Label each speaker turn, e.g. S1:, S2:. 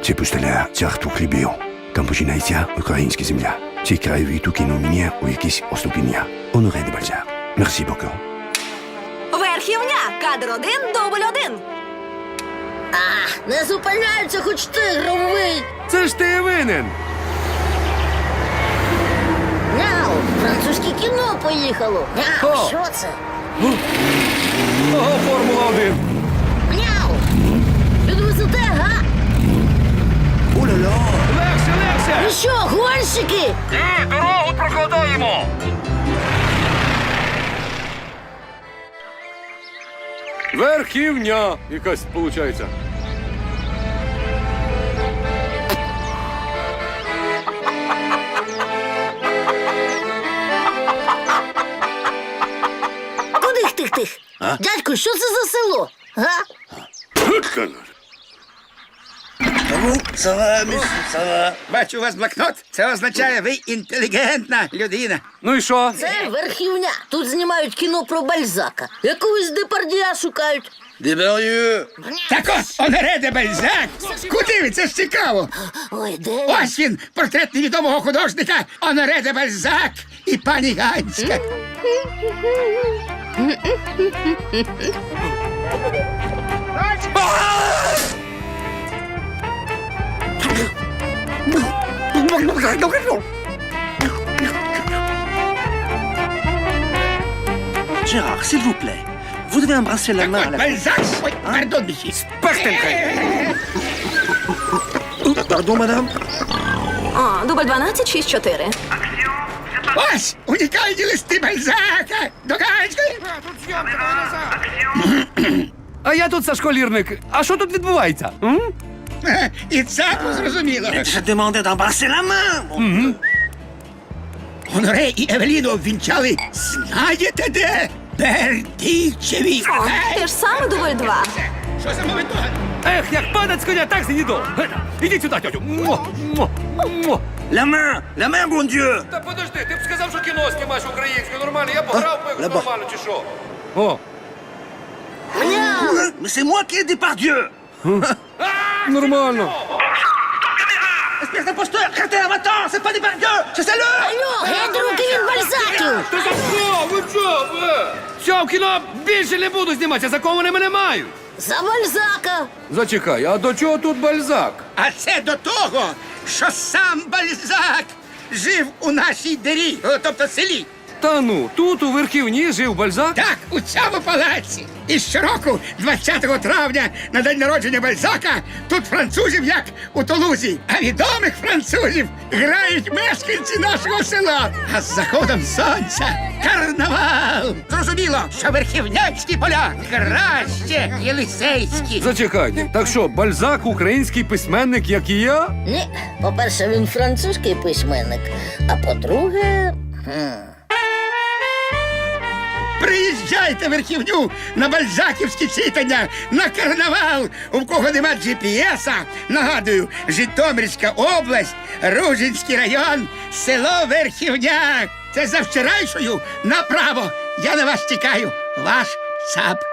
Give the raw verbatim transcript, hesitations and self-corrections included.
S1: Це пустеля царство хлібів. Там починається українська земля. Цей краєвид укинув мене у якісь оступіння. Оноре де Бальзак. Мерсі боку.
S2: Верхівня, кадр один, дубль один.
S3: А, не зупиняйся, хоч ти громовий.
S4: Це ж ти винен.
S3: Няу, французьке кіно поїхало. Няу,
S4: О.
S3: що це?
S4: Ого, Формула один.
S3: Няу, підвезете, га?
S4: Легше, легше.
S3: Ви що, гонщики?
S4: Ні, дорогу прокладаємо. Верхівня якась, виходить.
S3: Куди ж тих тих? Дядько, що це за село? Га?
S5: Бачу у вас блокнот. Це означає, ви інтелігентна людина.
S4: Ну і що?
S3: Це верхівня. Тут знімають кіно про Бальзака. Якогось Депардія шукають.
S5: Так от, Оноре де Бальзак. Куди ви? Це ж цікаво.
S3: Ой, де він?
S5: Ось він, портрет невідомого художника Оноре де Бальзак і пані Ганська.
S6: Gérard, s'il vous plaît, vous devez embrasser la
S5: Так
S6: main à
S5: от,
S6: la...
S5: Бальзак. Ой, пардон, місі.
S6: Pardon, madame?
S2: О, дубль дванадцять, шість чотири.
S5: Ось, унікальні листи Бальзака. До Ганської.
S4: А я тут Сашко Лірник. А що тут відбувається? М?
S5: Е, І це зрозуміло.
S6: Je demandais d'embrasser la main! bon.
S5: Оноре і Евеліну обвінчали, знаєте де? Бердичеві.
S2: О, те ж саме дубль два.
S5: Що за мовито?
S4: Ех, як падать з коня, так сидіду. Ідіть сюди, тьотю. Мо, мо, мо.
S6: La main! La main, bon Dieu!
S4: Та подожди, ти б сказав, що кіно знімаєш українською нормально. Я б грав би
S6: Леба.
S4: нормально, чи що? О,
S6: Mais c'est moi qui ai des pardieux!
S4: нормально.
S6: Espèce d'imposteur! Arrêtez, va-t'en! C'est pas des pardieux! Chassez-le!
S3: Алло, геть руки від Бальзаків!
S4: Та за що? Ви що? Ви? Все, в кіно більше не буду зніматися, за кого вони мене мають.
S3: За Бальзака!
S4: Зачекай, а до чого тут Бальзак?
S5: А це до того, що сам Бальзак жив у нашій дирі, о, тобто селі.
S4: Та ну, тут у Верхівні жив Бальзак?
S5: Так, у цьому палаці. І щороку, двадцятого травня, на день народження Бальзака, тут французів, як у Тулузі. А відомих французів грають мешканці нашого села. А з заходом сонця карнавал. Зрозуміло, що верхівнянські поля краще єлисейські.
S4: Зачекайте, так що, Бальзак український письменник, як і я?
S3: Ні, по-перше, він французький письменник, а по-друге... хм,
S5: Приїжджайте в Верхівню на бальзаківські читання, на карнавал. У кого нема джі пі еса, нагадую, Житомирська область, Ружинський район, село Верхівня. Це за вчорайшою направо. Я на вас чекаю. Ваш ЦАП.